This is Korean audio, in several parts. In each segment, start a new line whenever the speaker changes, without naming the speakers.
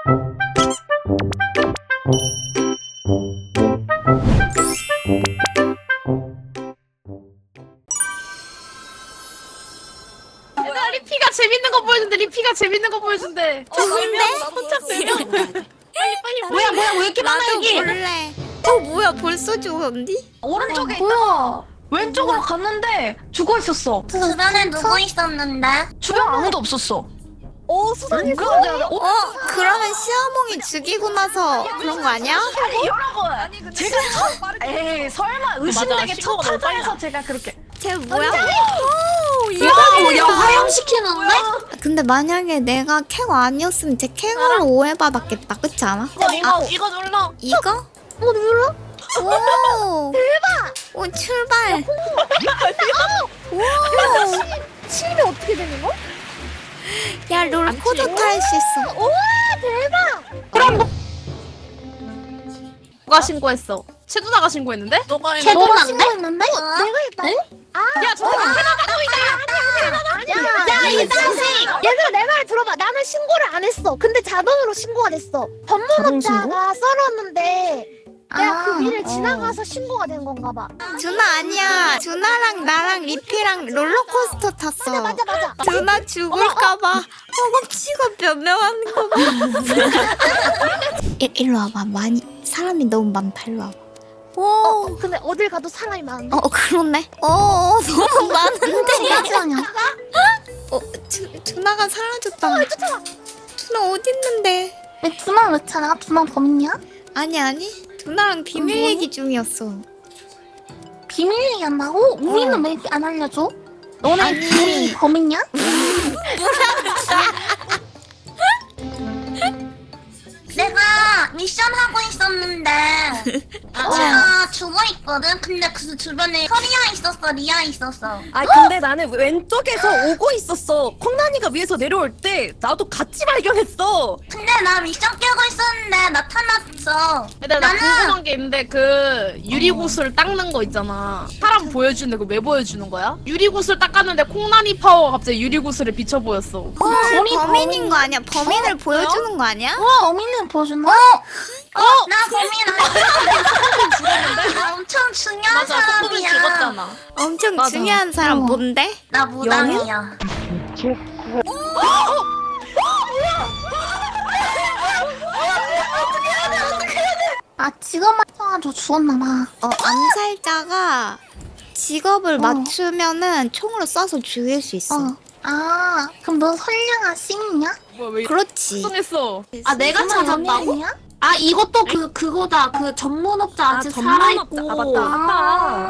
얘들아 리피가 재밌는 거 보여준대. 리피가 재밌는 거 보여준대.
좋은데?
포착 내려. 빨리. 뭐야 왜 이렇게 많아
나도
여기?
볼래. 뭐야 벌써 죽었니?
오른쪽에
뭐야?
왼쪽으로 갔는데 죽어 있었어.
주변에 누구 있었는데?
주변 아무도 없었어.
수상해.
그러면 시어몽이 죽이고 나서 그런 거 아니야?
여러분, 제가 에이 설마 의심되게 첫 타자에서 제가 그렇게.
쟤 뭐야?
야 화염시키는데?
근데 만약에 내가 캐거 아니었으면 쟤 캐거로 오해받았겠다. 그렇지 않아?
이거 눌러.
이거? 눌러? 오 대박! 오 출발! 오!
치면 어떻게 되는 거?
야 롤코드 탈 수 있어.
우와 대박!
누가 신고했어? 채두나가 신고했는데? 너가
걔도가
신고했는데? 내가 했다.
야, 저 새끼
야, 이 자식! 얘들아, 내 말 들어봐. 나는 신고를 안 했어. 근데 자동으로 신고가 됐어. 법무업자가 썰었는데 내가 그 위를 지나가서 신고가 된 건가 봐.
준아 아니야. 준아랑 나랑 리피랑 롤러코스터 탔어.
맞아.
준아 죽을까봐 허겁지겁 변명하는 거 봐. 일로 와봐. 사람이 너무 많다. 일로 와봐. 오.
근데 어딜 가도 사람이 많은데.
그렇네. 너무 많은데.
잠시만요.
준아가 사라졌다. 준아 어디 있는데?
왜 두만 왜 찾아? 두만 범인이야?
아니. 준아랑 비밀 얘기 중이었어.
비밀 얘기한다고? 우리는 왜 안 알려줘? 너네
아니.
우리 범인이야? 내가 미션 하고 있었는데 제가 죽어있거든? 근데 그 주변에 서리아 있었어, 리아 있었어.
아 근데 나는 왼쪽에서 오고 있었어. 콩나니가 위에서 내려올 때 나도 같이 발견했어.
근데 나 미션 깨고 있었는데 나타났어.
근데 나 궁금한 게 있는데 그 유리구슬 닦는 거 있잖아. 사람 보여주는데 그거 왜 보여주는 거야? 유리구슬 닦았는데 콩나니 파워가 갑자기 유리구슬에 비쳐 보였어.
우리 범인인 거 아니야? 범인을 보여주는 거 아니야?
범인을 보여준다? 나 범인 아니야. 나 엄청 중요한 사람이야.
죽었잖아.
엄청
맞아.
중요한 사람 뭔데?
나 무당이야. 아 직업만 써가지고 죽었나봐.
암살자가 직업을 맞추면은 총으로 쏴서 죽일 수 있어.
아 그럼 너 선량한 시민이야?
뭐야 왜
그렇지.
이상했어?
아 내가 찾았다고? 아 이것도 그거다. 그 전문업자 아직 살아있고.
아 맞다.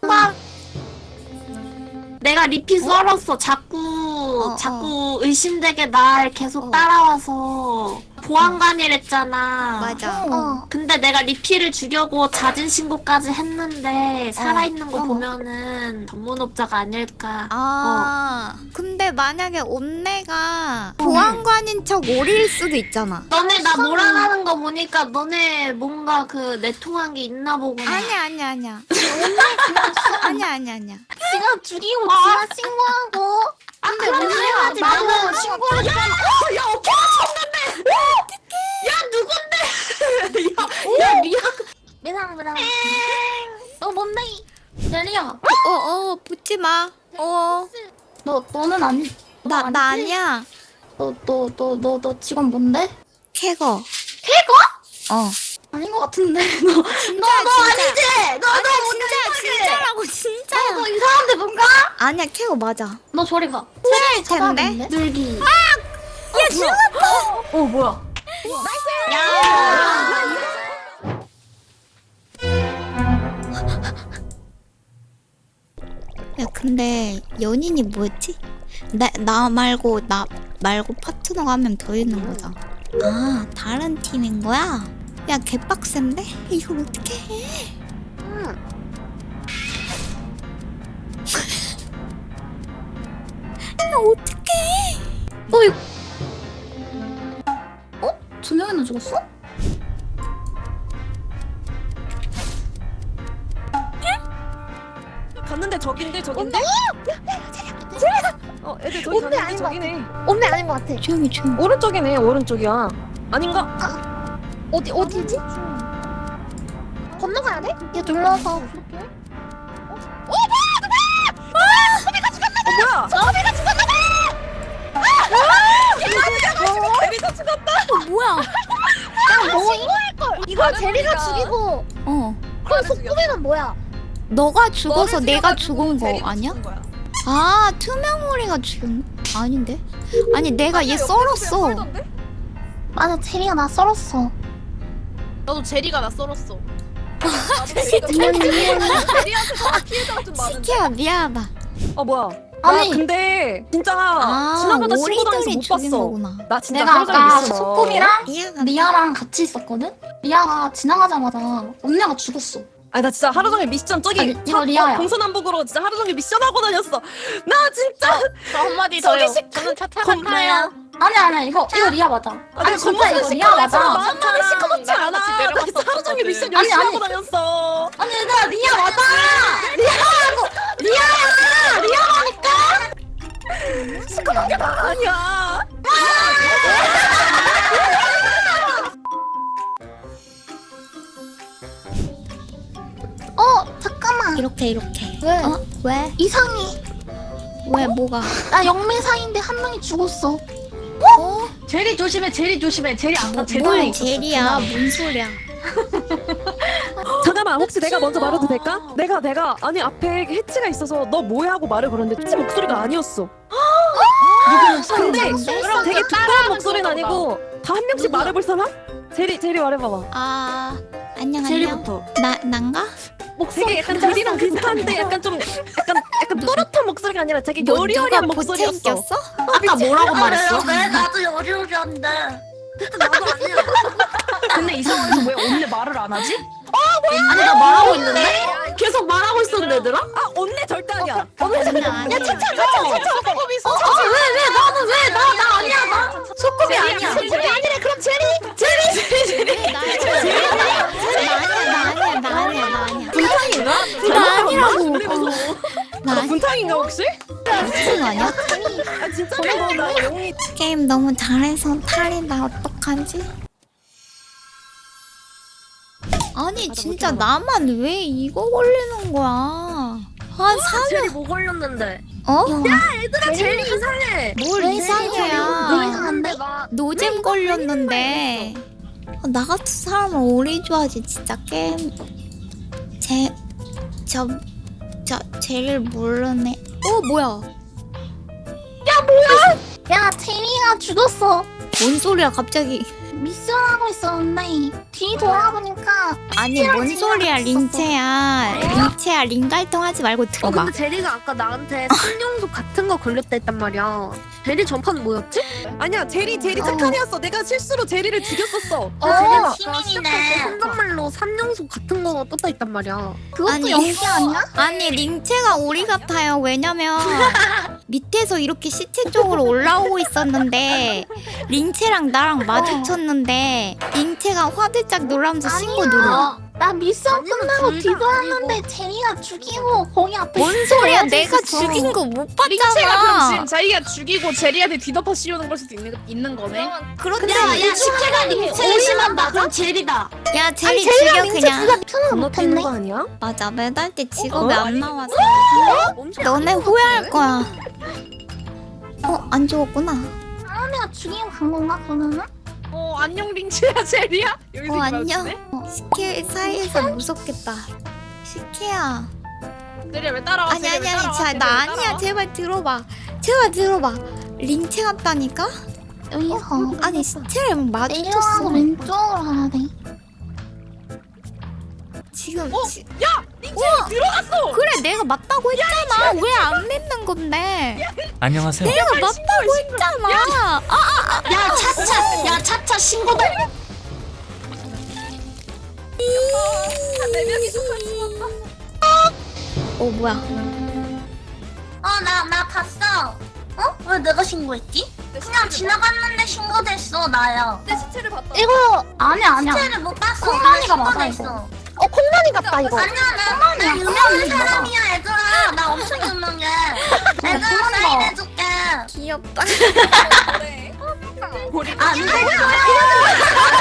내가 리피 썰었어. 자꾸 의심되게 날 계속 따라와서 보안관이랬잖아.
맞아.
근데 내가 리피를 죽여고 자진 신고까지 했는데 살아있는 거 보면은 전문업자가 아닐까.
근데 만약에 온내가 보안관인 척 오릴 수도 있잖아.
너네 나 몰아가는 거 보니까 너네 뭔가 그 내통한 게 있나 보구나.
아니야. 아니야.
지가 죽이고 지가 신고하고. 근데 문제가 나는 신고를 했잖아. 야 어깨가 쳤는데. 어떡해. 야 누군데. 야 리아. 미상. 너 뭔데? 리아.
붙지 마.
너는 아니.
나 아니야.
너 직원 뭔데?
캐거.
캐거? 아닌 것 같은데. 너
진짜.
아니지?
진짜라고 진짜야.
너 이상한데 뭔가?
아니야 캐거 맞아.
너 저리 가.
틀릴 텐데.
늘기.
야 죽었다.
뭐야?
야.
야 근데 연인이 뭐였지? 나 말고 파트너가 한 명 더 있는 거다. 아 다른 팀인 거야? 야 개빡센데? 이걸 어떻게 해? 야 어떻게 해?
두 명이나 죽었어?
갔는데 저긴데. 애들 저기
온내
갔는데
아닌 것
저기네.
온내 아닌 것 같아.
조용히.
오른쪽이네. 오른쪽이야. 아닌가?
어디지? 건너가야 돼? 얘 눌러서.
뭐야?
저비가 죽었나 봐!
제리가 죽었다.
뭐야?
야, 뭐 신고할걸. 이걸 제리가 죽이고. 그럼 속구비는 뭐야?
너가 죽어서
너를
내가
죽여가지고
죽은 거
제리가
아니야?
죽은 거야.
아 투명머리가 죽은 거? 아닌데? 아니 내가 얘 썰었어.
맞아, 제리가 나 썰었어.
나도 제리가 나 썰었어.
제리한테 더 피해자가 좀 많은데.
시키야 미안하다.
뭐야?
아니.
나 근데 진짜
아
지나가다 신고 당해서
오리들이
못
죽인
봤어.
거구나.
나 진짜
내가
하루 종일
아까
있어.
소꿉이랑
미안하다.
리아랑 같이 있었거든? 리아가 지나가자마자 언니가 죽었어.
아니 나 진짜 하루 종일 미션 저기
아니, 이거 리아야.
동서남북으로 진짜 하루 종일 미션 하고 다녔어. 나 진짜
저 한마디 더요.
소개식
저는 차 타고 타요.
아니 이거 리아 맞아. 아니 진짜 이거 리아 맞아.
만나는 시커멓지 않아.
같이
나 진짜 하루 종일 미션
아니,
열심히
아니.
하고 다녔어.
아니 얘들아 리아 맞아.
시커멓게 다 아니야.
잠깐만.
이렇게
왜?
왜?
이상해.
왜 뭐가?
나 영매사인데 한 명이 죽었어.
제리 조심해. 제리 아까
뭘 젤이야? 뭔 소리야?
잠깐만 혹시 내가 먼저 말해도 될까? 내가 아니 앞에 해치가 있어서 너 뭐야 하고 말을 걸었는데 해치 목소리가 아니었어. 근데
그럼
되게
그
두꺼운
따라하는
목소리는
건가
아니고 다 한 명씩 말해볼 사람? 제리 말해봐봐.
아 안녕 안녕.
제리부터.
난가?
되게 약간 제리랑 비슷한데 약간 좀 약간 또렷한 목소리가 아니라 되게
뭐
여리여리한
누가
목소리였어.
보채겼어?
아까 뭐라고 말했어?
왜 나도 여리여리한데.
근데 이상하게 왜 언니 말을 안 하지? 아니 나 말하고 있는데? 계속 말하고 있었는데 얘들아?
아 언니 절대 아니야.
아니야 아니야.
나 아니야 나
소꿉이 아니야. 소꿉이 아니래. 그럼 제리.
나 아니야.
분탕인가?
나 아니라고. 나 아니
분탕인가 혹시?
미친 거 아니야?
아 진짜 나 영이
게임 너무 잘해서 탈이다. 어떡하지? 아니 진짜 나만 왜 이거 걸리는 거야? 아 사면
뭐 걸렸는데?
어?
얘들아 제리 이상해.
뭘
왜
이상해야?
이상한데?
노잼 걸렸는데 나 같은 사람은 오리 좋아하지 진짜 게임 제일 모르네. 뭐야?
야, 제리가 죽었어.
뭔 소리야 갑자기?
미션하고 있었는데 뒤 돌아보니까
아니 뭔 소리야 링체야 링갈통 하지 말고 들어봐.
근데 제리가 아까 나한테 신용도 같은 거 걸렸다 했단 말이야. 제리 전판 뭐였지?
아니야 제리 착한 애였어. 내가 실수로 제리를 죽였었어.
제리가 아까
시민이네.
시작할 때 혼잣말로 3연속 같은 거 떴다 했단 말이야.
그것도
아니.
연기 아니야?
아니 링체가 오리 같아요. 왜냐면 밑에서 이렇게 시체 쪽으로 올라오고 있었는데 링체랑 나랑 마주쳤는데 링체가 화들짝 놀라면서 신고 누르.
나 미션 끝나고 뒤돌았는데 제리가 죽이고 거기 앞에
뭔 소리야? 내가 죽인 거 못
링체가 그럼
봤잖아.
지금 자기가 죽이고 제리한테 뒤덮어 씌우는 걸 수도 있는 거네.
그런데
식혜가 링체를 심한다. 그럼 제리다.
야 제리 죽여 그냥.
핑을
건너뛰는
못했네.
거 아니야?
맞아 매달 때 직업이
어?
안 나와서 너네 후회할 거야. 안 죽었구나.
사람이가 죽이고 간 건가 그러면은?
안녕 링체야 제리야. 여기서
안녕. 시케 사이에서 무섭겠다. 시케야.
제리야 왜 따라와?
아니 나 아니야. 제발 들어봐. 링체 같다니까?
여기서
아니 시체를
내려가고
마주쳤어.
왼쪽으로 가야 돼.
지금
링체 들어갔어.
그래 내가 맞다고 했잖아. 왜 안 믿는 건데?
안녕하세요.
내가 맞다고 했잖아.
야 차차 신고다.
뭐야?
나 봤어. 왜 내가 신고했지? 그냥 지나갔는데 신고됐어, 나야.
내 시체를 봤다.
이거
아니야.
시체를 못 봤어.
콩나니가
나
맞아,
신고됐어. 콩나니 같다, 이거. 아니야, 나 유명한
맞아.
사람이야, 얘들아. 나 엄청 유명해. 얘들아, 사인해줄게.
귀엽다.
그래.
우리
안 되겠어요.